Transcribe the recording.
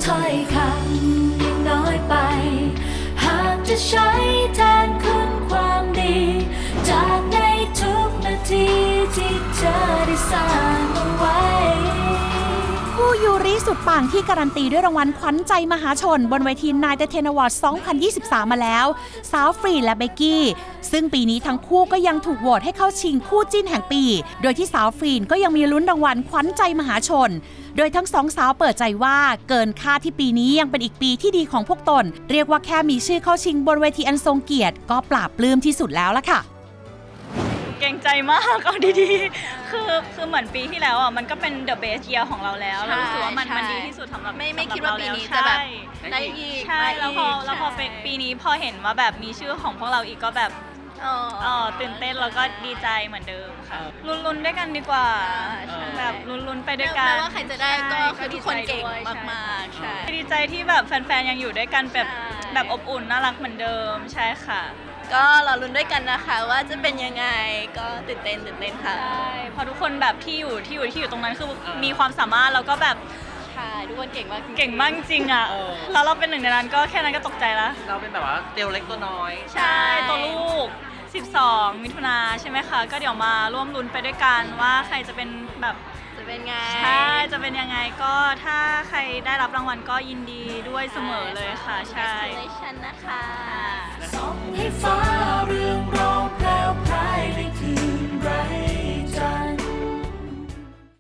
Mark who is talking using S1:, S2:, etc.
S1: ถ้อยคำยังน้อยไปหากจะใช้แทนคุณความดีจากในทุกนาทีที่เธอได้สร้างเอาไว้
S2: คู่ยูริสุดปังที่การันตีด้วยรางวัลขวัญใจมหาชนบนเวทีนายเทนอวอร์ด 2023 มาแล้วสาวฟรีและเบกกี้ซึ่งปีนี้ทั้งคู่ก็ยังถูกโหวตให้เข้าชิงคู่จิ้นแห่งปีโดยที่สาวฟรีนก็ยังมีลุ้นรางวัลขวัญใจมหาชนโดยทั้งสองสาวเปิดใจว่าเกินคาดที่ปีนี้ยังเป็นอีกปีที่ดีของพวกตนเรียกว่าแค่มีชื่อเข้าชิงบนเวทีอันทรงเกียรติก็ปราบปลื้มที่สุดแล้วล่ะค่ะ
S3: เก่งใจมากเอาดีๆคือเหมือนปีที่แล้วอ่ะมันก็เป็น the best year ของเราแล้วเรารู้สึกว่ามันดีที่สุดสำหรับ
S4: ไม่คิดว่าปีนี้จะแบบได้อีก
S3: ใช่แล้วพอปีนี้พอเห็นว่าแบบมีชื่อของพวกเราอีกก็แบบตื่นเต้นแล้วก็ดีใจเหมือนเดิมค่ะลุ้นๆด้วยกันดีกว่าแบบลุ้นๆไปด้วยกัน
S4: ไม่ว่าใครจะได้ก็คือทุกคนเก่งมากๆใช่
S3: ดีใจที่แบบแฟนๆยังอยู่ด้วยกันแบบอบอุ่นน่ารักเหมือนเดิมใช่ค่ะ
S4: ก็รอลุ้นด้วยกันนะคะว่าจะเป็นยังไงก็ตื่นเต้นค่ะ
S3: ใช่พอทุกคนแบบที่อยู่ตรงนั้นคือมีความสามารถแล้วก็แบบ
S4: ใช่ทุกคนเก่งมาก
S3: จริงอ่ะแล้วเราเป็นหนึ่งในนั้นก็แค่นั้นก็ตกใจแล้ว
S5: เราเป็นแบบว่าเตียวเล็กตัวน้อย
S3: ใช่ตัวลูก12 มิถุนาใช่ไหมคะก็เดี๋ยวมาร่วมลุ้นไปด้วยกันว่าใครจะเป็นแบบ
S4: จะเป็นไง
S3: ใช่จะเป็นยังไงก็ถ้าใครได้รับรางวัลก็ยินดีด้วยเสมอเลยค่ะใช่
S4: นะคะ
S1: ส่องให้ฟ้าเรื่องราวแพรวพรายในคืนไร้